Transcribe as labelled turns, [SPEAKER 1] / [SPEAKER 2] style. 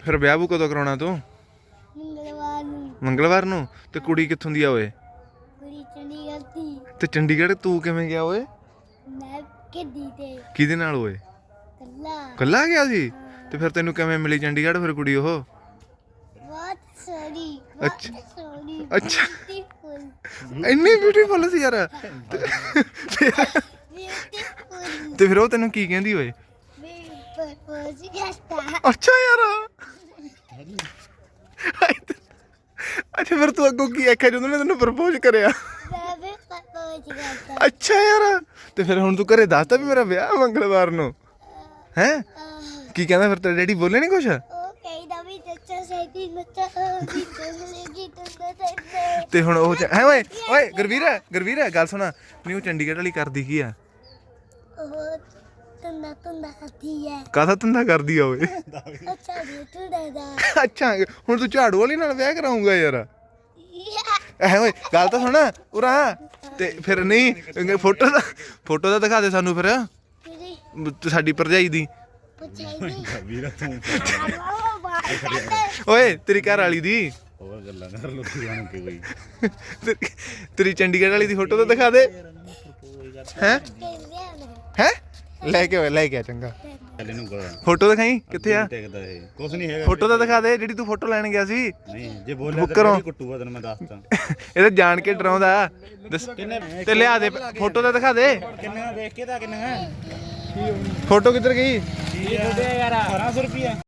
[SPEAKER 1] ਫਿਰ ਵਿਆਹ ਵੂ ਕਦੋਂ ਕਰਾਉਣਾ ਤੂੰ? ਮੰਗਲਵਾਰ ਨੂੰ। ਤੇ ਕੁੜੀ ਕਿੱਥੋਂ ਦੀ ਆ ਓਏ?
[SPEAKER 2] ਕੁੜੀ ਚੰਡੀਗੜ੍ਹ ਦੀ।
[SPEAKER 1] ਤੇ ਚੰਡੀਗੜ੍ਹ ਤੂੰ ਕਿਵੇਂ ਗਿਆ ਓਏ?
[SPEAKER 2] ਮੈਂ ਗੱਡੀ ਤੇ
[SPEAKER 1] ਕਿਹਦੇ ਨਾਲ ਓਏ? ਕੱਲਾ ਗਿਆ ਸੀ? ਤੇ ਫਿਰ ਤੈਨੂੰ ਕਿਵੇਂ ਮਿਲੀ ਚੰਡੀਗੜ੍ਹ ਫਿਰ ਕੁੜੀ ਉਹ?
[SPEAKER 2] ਬਹੁਤ ਸੋਹਣੀ।
[SPEAKER 1] ਅੱਛਾ
[SPEAKER 2] ਸੋਹਣੀ।
[SPEAKER 1] ਅੱਛਾ
[SPEAKER 2] ਬਿਊਟੀਫੁਲ।
[SPEAKER 1] ਇੰਨੀ ਬਿਊਟੀਫੁਲ ਸੀ ਯਾਰ।
[SPEAKER 2] ਬਿਊਟੀਫੁਲ।
[SPEAKER 1] ਤੇ ਫਿਰ ਉਹ ਤੈਨੂੰ ਕੀ ਕਹਿੰਦੀ ਓਏ?
[SPEAKER 2] ਮੈਂ ਪ੍ਰਪੋਜ਼ ਕਰਤਾ।
[SPEAKER 1] ਅੱਛਾ ਯਾਰ। ਅੱਛਾ ਫਿਰ ਤੂੰ ਅੱਗੋਂ ਕੀ ਆਖਿਆ ਜਦੋਂ ਨੇ ਤੈਨੂੰ ਪ੍ਰਪੋਜ਼ ਕਰਿਆ?
[SPEAKER 2] ਮੈਂ ਵੀ ਪ੍ਰਪੋਜ਼ ਕਰਤਾ।
[SPEAKER 1] ਅੱਛਾ ਯਾਰ। ਤੇ ਫਿਰ ਹੁਣ ਤੂੰ ਘਰੇ ਦੱਸਤਾ ਵੀ ਮੇਰਾ ਵਿਆਹ ਮੰਗਲਵਾਰ ਨੂੰ ਹੈ? ਕੀ ਕਹਿੰਦਾ ਫਿਰ ਤੇਰਾ ਡੈਡੀ ਬੋਲੇ ਨਹੀਂ ਕੁਛ?
[SPEAKER 2] ਉਹ ਕਹਿੰਦਾ ਵੀ ਦੱਸੋ ਸੈਟੀ ਨੱਚਾ ਦੀ ਚੱਲੇਗੀ ਤੇ
[SPEAKER 1] ਤੇ ਹੁਣ ਉਹ ਹੈ ਓਏ ਓਏ ਗੁਰਵੀਰ ਗੱਲ ਸੁਣਾ ਨਹੀਂ ਉਹ ਚੰਡੀਗੜ੍ਹ ਵਾਲੀ ਕਰਦੀ ਕੀ ਆ?
[SPEAKER 2] ਉਹ ਤੰਦਾ ਕਰਦੀ ਹੈ।
[SPEAKER 1] ਕਾਹਦਾ ਧੰਦਾ ਕਰਦੀ ਆ ਓਏ?
[SPEAKER 2] ਅੱਛਾ ਜੀ ਤੂੰ ਦਾ।
[SPEAKER 1] ਅੱਛਾ ਹੁਣ ਤੂੰ ਝਾੜੂ ਵਾਲੀ ਨਾਲ ਵਿਆਹ ਕਰਾਉਂਗਾ ਯਾਰ? ਐ ਓਏ ਗੱਲ ਤਾਂ ਸੁਣ ਉਰਾ। ਤੇ ਫਿਰ ਨਹੀਂ ਫੋਟੋ ਤਾਂ ਦਿਖਾ ਦੇ ਸਾਨੂੰ ਫਿਰ ਸਾਡੀ ਭਰਜਾਈ ਦੀ। ਓਏ ਤੇਰੀ ਘਰ ਵਾਲੀ ਦੀ।
[SPEAKER 3] ਹੋਰ ਗੱਲਾਂ ਕਰ ਲੋ ਕੋਈ।
[SPEAKER 1] ਤੇਰੀ ਚੰਡੀਗੜ੍ਹ ਵਾਲੀ ਦੀ ਫੋਟੋ ਤਾਂ ਦਿਖਾ ਦੇ। ਹੈ ਲੈ ਕੇ ਆ ਚੰਗਾ। ਫੋਟੋ ਦਿਖਾਈ ਕਿੱਥੇ ਆ?
[SPEAKER 3] ਕੁਛ ਨਹੀਂ ਹੈਗਾ।
[SPEAKER 1] ਫੋਟੋ ਤਾਂ ਦਿਖਾ ਦੇ ਜਿਹੜੀ ਤੂੰ ਫੋਟੋ ਲੈਣ ਗਿਆ ਸੀ।
[SPEAKER 3] ਨਹੀਂ ਜੇ ਬੋਲਿਆ ਤਾਂ ਕੁੱਟੂਗਾ ਤੈਨੂੰ ਮੈਂ ਦੱਸਦਾ।
[SPEAKER 1] ਇਹ ਤਾਂ ਜਾਣ ਕੇ ਡਰਾਉਂਦਾ। ਤੇ ਲਿਆ ਦੇ ਫੋਟੋ ਤਾਂ ਦਿਖਾ ਦੇ।
[SPEAKER 3] ਕਿੰਨੇ ਦੇਖ ਕੇ ਤਾਂ ਕਿੰਨੇ
[SPEAKER 1] ਫੋਟੋ ਕਿੱਧਰ ਗਈ?
[SPEAKER 3] 1200 ਰੁਪਏ।